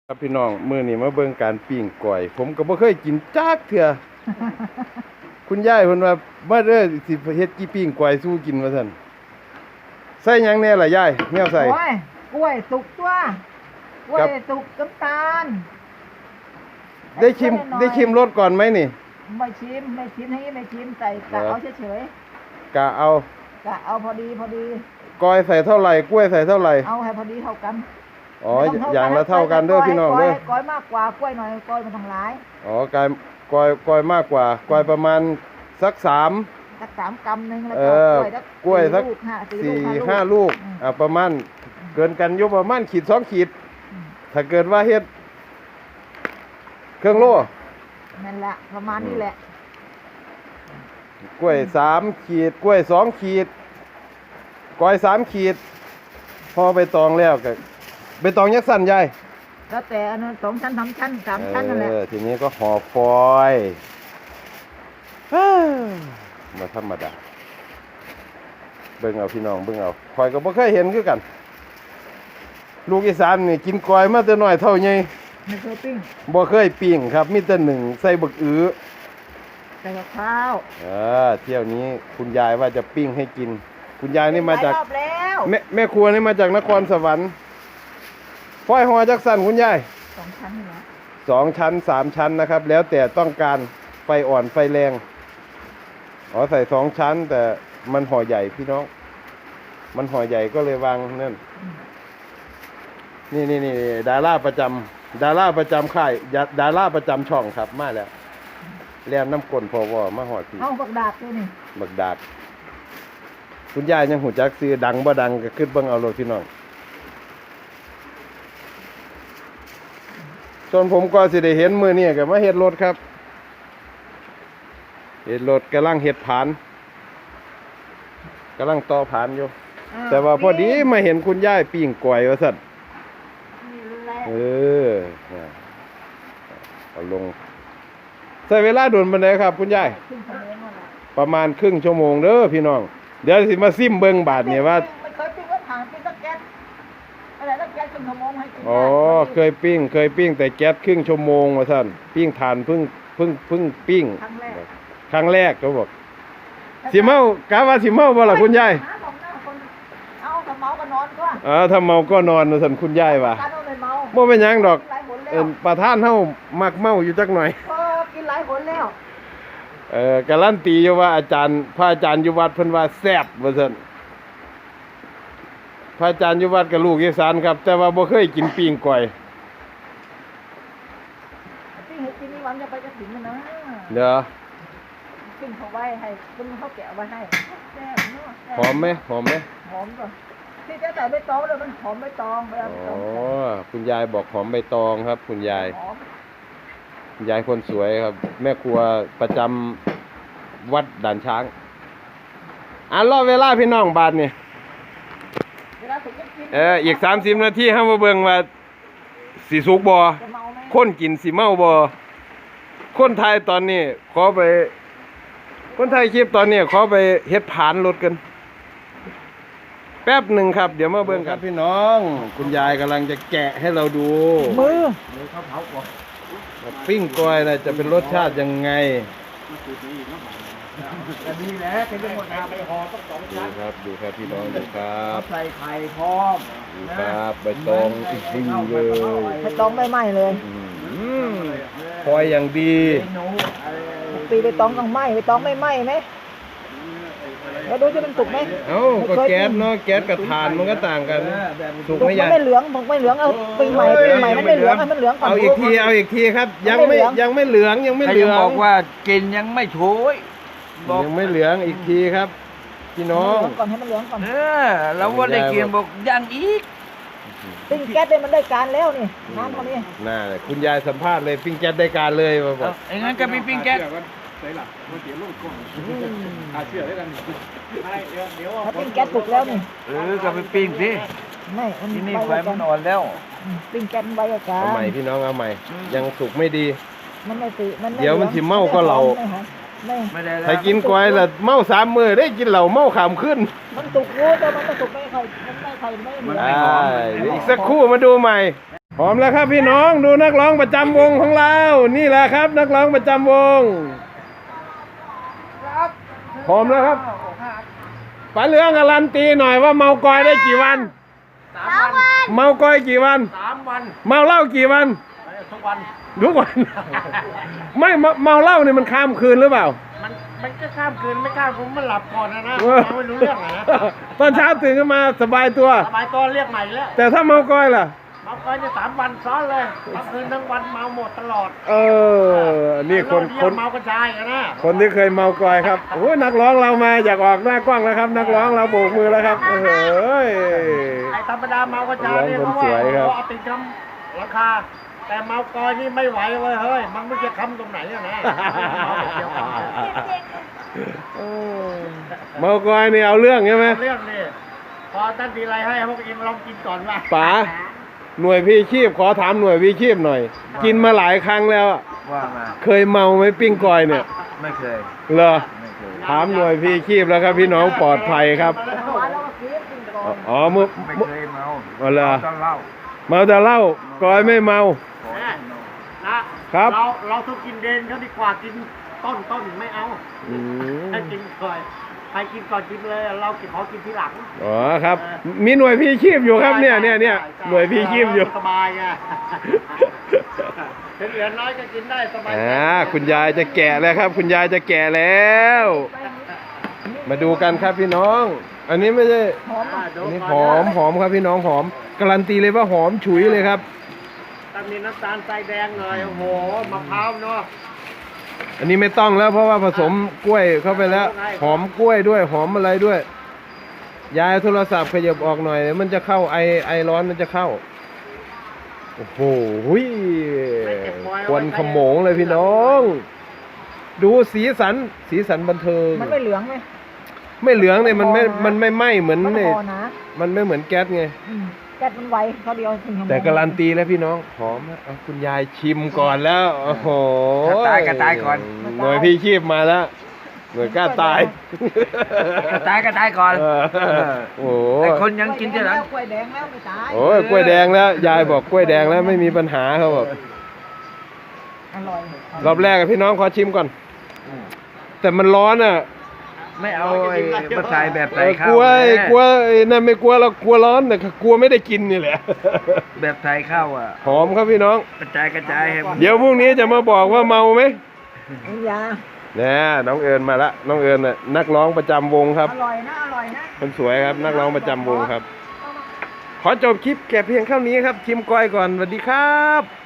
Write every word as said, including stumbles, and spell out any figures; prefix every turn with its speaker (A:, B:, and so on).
A: ครับพี่น้องมื้อนี้มาเบิ่งการปิ้งก้อยผมก็บ่เคยกินจักเทื่อ คุณยายเพิ่นว่ามาเด้อสิเฮ็ดกี่ปิ้งก้อยสู้กินว่าซั่นใส่หยังแน่ล่ะยายแนวใส่
B: โอ้ยกล้วยสุกตัวกล้วยสุกน้ำตาล
A: ได้ชิมได้ชิมรสก่อนไหมนี่
B: ไม่ชิมไม่ชิมให้ไม่ชิมใส่กะเอาเฉย
A: ๆกะเอา
B: กะเอาพอดีพอดี
A: ก้อยใส่เท่าไหร่กล้วยใส่เท่าไหร่
B: เอาให้พอดีเท่ากัน
A: อ๋ออย่างละเท่ากันเด้อพี่น้องเด้อ
B: ก้อยมากกว่ากล้วยหน่อยก้อยมันต้องหลาย
A: อ๋อกายก้อยก้อยมากกว่าก้อยประมาณสักสาม
B: สักสามกำนึงแล้วก็
A: กล้วยสักสี่ห้าลูกอ่าประมาณเกินกันอยู่ประมาณขีดสองขีดถ้าเกิดว่าเฮ็ดเครื่องโล่
B: นั่นแหละประมาณนี้แหละ
A: กล้วยสามขีดกล้วยสองขีดก้อยสามขีดพอไปตองแล้วก็ไปตองยักษ์สั้นใหญ่
B: แล้วแต่อันนั้นสองชั้นสามชั้นสามชั้นนั่นแหละ
A: ทีนี้ก็ห่อฟอยมาธรรมดาเบิ่งเอาพี่น้องเบิ่งเอาคอยก็บ่เคยเห็นคือกันลูกอีสานนี่กินก้อยมาแต่น้อยเท่าใหญ่
B: ไม่เคยปิ้ง
A: บ่เคยปิ้งครับมีแต่หนึ่งใส่บักอื้อ
B: ใส่กับข้าว
A: เออเที่ยวนี้คุณยายว่าจะปิ้งให้กินคุณยายนี่มาจากแม่แม่ครัวนี่มาจากนครสวรรค์ฟอยห่อจักสั่นคุณยาย
B: สองชั้นเหรอ
A: สองชั้นสามชั้นนะครับแล้วแต่ต้องการไฟอ่อนไฟแรงอ๋อใส่สองชั้นแต่มันห่อใหญ่พี่น้องมันห่อใหญ่ก็เลยวางนั่นนี่นี่นี่ดาราประจำดาราประจำค่ายดาราประจำช่องครับมาแล้วแล่นน้ำกลนพอวอมาหอดพี่
B: เอาบักดาบด้วยนี่
A: บักดาบคุณยายยังหูจักซื้อดังบ่ดังก็ขึ้นเบิ่งเอาโลดพี่น้องจนผมก็สิได้เห็นมือนี่ก็มาเฮ็ดรถครับเฮ็ดรถกำลังเฮ็ดผานกำลังต่อผานอยู่แต่ว่าพอดีมาเห็นคุณยายปิ้งก้อยว่าซั่นเออเอาลงใช้เวลาโดนปานใดครับคุณยายประมาณครึ่งชั่วโมงเด้อพี่น้องเดี๋ยวสิมาซิมเบิ่งบาดนี่ว่า
B: ไม่เคยปิ้งว่าผ่านปิ้งตะแก๊สอะไรตะแก๊สครึ่งชั่วโมงให้กิน
A: อ๋อเคยปิ้งเคยปิ้งแต่แก๊สครึ่งชั่วโมงว่าซั่นปิ้งถ่านเพิ่งเพิ่งเพิ่งปิ้ง
B: ครั้งแรก
A: ครั้งแรกเขาบอกสิเมากะว่าสิเมาบ่ล่ะคุณยาย
B: เอาถ้าเมาก็นอนก็
A: อ๋อถ้าเมาก็นอนว่าซั่นคุณยายว่าบ่เป็นหยังดอกเอิ้นประธานเฮามักเมาอยู่จักหน่อย
B: เออกินหลายหนแล้ว
A: เอ่อการันตีอยู่ว่าอาจารย์พระอาจารย์อยู่วัดเพิ่นว่าแซ่บว่าซั่นพระอาจารย์อยู่วัดกับลูกอีสานครับแต่ว่าบ่เคยกินปิ้งก้อย
B: ปิ้งให้กินนี่วันจะไปกระถิ่นมันนะ
A: เด้อ
B: ปิ้งเขาไว้ให้ปิ้งเขาแกะไว้ให้แซ่บเนาะ
A: หอมมั้ยหอมมั้ย
B: หอมก่อนที่จะใส่ใบตองเลยมันหอมใบตองเวลาใบตองอ๋
A: อคุณยายบอกหอมใบตองครับคุณยายคุณยายคนสวยครับแม่ครัวประจำวัดด่านช้างอ่ะรอเวลาพี่น้องบาดนี่เอออีกสามสิบนาทีเฮามาเบิ่งว่าสิสุกบ่คนกินสิเมาบ่คนไทยตอนนี้ขอไปคนไทยคลิปตอนนี้ขอไปเฮ็ดผานรถกันแป๊บหนึ่งครับเดี๋ยวมาเบิ่งกันพี่น้องคุณยายกำลังจะแกะให้เราดู
B: มือ
A: มือเขาเผาก่อนปิ้งก้อยน่ะจะเป็นรสชาติยังไง
B: อันนี้แหละเป็นหมดนาไปห่อต้องสองชั้น
A: ครับดูครับพี่น้องดูครับ
B: ใส่ไข่พร้อม
A: ดูครับใบตองดีเลย
B: ใบตองไม่ไหม้เลย
A: คอยอย่างดี
B: ปีใบตองต้องไหม้ใบตองไม่ไหม้ไหมแล้วดูจะมันสุกไหม
A: เอ้าก็แก๊สเนาะแก๊สกับถ่านมันก็ต่างกัน
B: สุกไหมยังไม่เหลืองผมไม่เหลืองเอาปีใหม่ปีใหม่มันไม่เหลืองให้มันเหลืองก่อน
A: เอาอีกทีเอาอีกทีครับยังไม่ยังไม่เหลืองยังไม่เหลือง
C: บอกว่ากินยังไม่โชย
A: ยังไม่เหลืองอีกทีครับพี่น้อง
B: ก่อนให้มันเหลืองก่อน
C: เออแล้วว่าได้กินบอกยังอีก
B: ปิ้งแก๊สเนี่ยมันได้การแล้วนี่น้ำตรงนี้
A: น่าเลยคุณยายสัมภาษณ์เลยปิ้งแก๊สได้การเลยมาบอก
C: ไอ้งั้นก็มีปิ้งแก๊ส
B: ใส่หลักมันเสียลูกก่อนอาเชื่อได้กันถ้าปิ้งแก๊สสุกแล้วนี่
C: เออก็ไปปิ้งสิ
B: ไม่
C: ที่นี่ไฟมันอ่อนแล้ว
B: ปิ้งแก๊สไว้อาการ
A: เอาใหม่พี่น้องเอาใหม่ยังสุกไม่ดี
B: มันไม่ติมัน
A: เดี๋ยวมันสิเมาก็เรา
B: ไม่ได้
A: ถ้ากินก้อยละเมาสามมื้อได้กินเหล้าเมาขามขึ้น
B: มันสุกรู้แต่มันไม่สุกไม่ใครมันไม่ใครไม่เหมือน
A: อีกสักครู่มาดูใหม่หอมแล้วครับพี่น้องดูนักร้องประจำวงของเรา นี่แหละครับ นักร้องประจำวงหอมแล้วครับป๋าเหลืองการันตีหน่อยว่าเมากอยได้กี่วัน
B: สามวัน
A: เมากอยกี่วัน
B: สามวัน
A: เมาเหล้ากี่วัน
B: ทุกวัน
A: ทุกวัน ไม่เมาเมาเหล้านี่มันข้ามคืนหรือเปล่า
B: มันมันก็ข้ามคืนไม่ข้ามคืนมันหลับก่อนนะนะ
A: เออ
B: เราไม่รู้เรื่องอะนะ
A: ตอนเช้าตื่นขึ้นมาสบายตัว
B: สบายตัวเรียกใหม่แล้ว
A: แต่ถ้าเมากอยล่ะ
B: เมาก่อนจะสามวันซ้อนเลยทั้งคืนทั้งวันเมาหมดตลอด
A: เออ นี่คน
B: เรา
A: ค
B: เรีย
A: น
B: กเมากระจายอะนะ
A: คนที่เคยเมากอยครับโอ้ยนักร้องเรามาอยากออกหน้ากล้องแล้วครับ นักร้องเราโบกมือแล้วครับเออเฮ้ย
B: ไอ้ธรรมดาเมากระจายเนี่ย
A: ร้
B: เพ
A: อง
B: ราะ
A: คนส
B: ว่า
A: วยครับ
B: เขาเอาติดคำราคา แต่เมากอยนี่ไม่ไหวเว้ยเฮ้ยมันไม่จะคำตรงไหนอะนะเมาแบบเดียวกัน
A: เออเมากอยนี่เอาเรื่องใช่ไหม
B: เรื่องนี่พอท่านทีไรให้พวกเองลองกินก่อนว่า
A: ป๋าหน่วยพี่ชีพขอถามหน่วยพี่ชีพหน่อย กินมาหลายครั้งแล้วอะ
C: ว่ามา
A: เคยเมาไหมปิ้งกอยเนี่ย
C: ไม่เคย
A: เหรอ
C: ไม่เคย
A: ถามหน่วยพี่ชีพแล้วครับพี่น้องปลอดภัยครับอ๋อมือ
C: ไม่
A: มือ
C: เคยเมา
A: อ๋อเหรอ
C: ต้องเล่า
A: เมาแต่เหล้ากอยไม่เมา
C: ขอ
B: นะ
C: ให้เมา
B: นะครับ เราเราทุกกินเดนเขาดีกว่ากินต้นต้นไม่เอา
A: อืม
B: ให้กินก่อนใครกินก่อนกินเลยเรากินขอกินทีหลัง
A: อ๋อครับ มีหน่วยพี่ชีพอยู่ครับเนี่ยเนี่ยเนี่ยหน่วยพี่ชีพอยู่
B: สบายไงเหลือน้อยก็กินได้สบาย
A: อ่าคุณยายจะแก่แล้วครับ คุณยายจะแก่แล้ว มาดูกันครับพี่น้อง อันนี้ไม่ใช่
B: อ่าดู
A: อันนี้
B: ก่
A: ห
B: น
A: อมหอมครับพี่น้องหอมการันตีเลยว่าหอมฉุยเลยครับ
B: ถ้ามีน้ำตาลทรายแดงหน่อยโอ้โหมะพร้าวเนาะ
A: อันนี้ไม่ต้องแล้วเพราะว่าผสมกล้วยเข้าไปแล้ว หอมกล้วยด้วยหอมอะไรด้วย ยายโทรศัพท์ขยับออกหน่อยเดี๋ยวมันจะเข้าไอไอร้อนมันจะเข้า โอ้โหหุยควันขโมงเลยพี่น้อง ดูสีสันสีสันบันเทิง
D: มันไม่เหลืองไหม
A: ไม่เหลืองเนี่ยมันไม่มันไม่ไหม้เหมือน
D: มัน
A: เนี่ย
D: พอนะ
A: มันไม่เหมือนแก๊สไง
D: อืมแก๊สมันไวเขาเดียวถึงชั่วโมง
A: แต่การันตีแล้วพี่น้องหอมนะเอาคุณยายชิมก่อนแล้วโอ้โห
C: ถ้าตายก็ตายก่อน
A: หน่วยพี่ชีพมาแล้วหน่วยกล้าตาย
C: ก็ตายก็ตายก่อน
A: เออโอ้โห
C: แต่คนยังกินทีหลัง
D: กล้วยแดงแล้วไม่ตาย
A: โอ้ยกล้วยแดงแล้ว ยายบอกกล้วยแดงแล้วไม่มีปัญหาเขาบอก
D: อร่อย
A: รอบแรกอะพี่น้องขอชิมก่อน แต่มันร้อนอ่ะ
C: ไม่เอาไอ้มาใส่แบบ
A: เอ
C: ใส่
A: อ
C: ข้าก ว
A: ลัวไอ้
C: แม่
A: กลัวไอ้นั่นไม่กลัวเรากลัวร้อนแต่กลัวไม่ได้กินนี่แหละ
C: แบบใส่ข้าวอ่ะ
A: หอมครับพี่น้อง
C: กระจายกระจายให้มัน
A: เดี๋ยวพรุ่งนี้จะมาบอกว่าเมาไหม
D: น้ำยา
A: เนี่ยน้องเอิญมาละน้องเอิญน่ะนักร้องประจำวงครับ
D: อร่อยนะอร่อยนะ
A: คนสวยครับ นักร้องประจำวงครับ ขอจบคลิปแก่เพียงเท่านี้ครับชิมก้อยก่อนสวัสดีครับ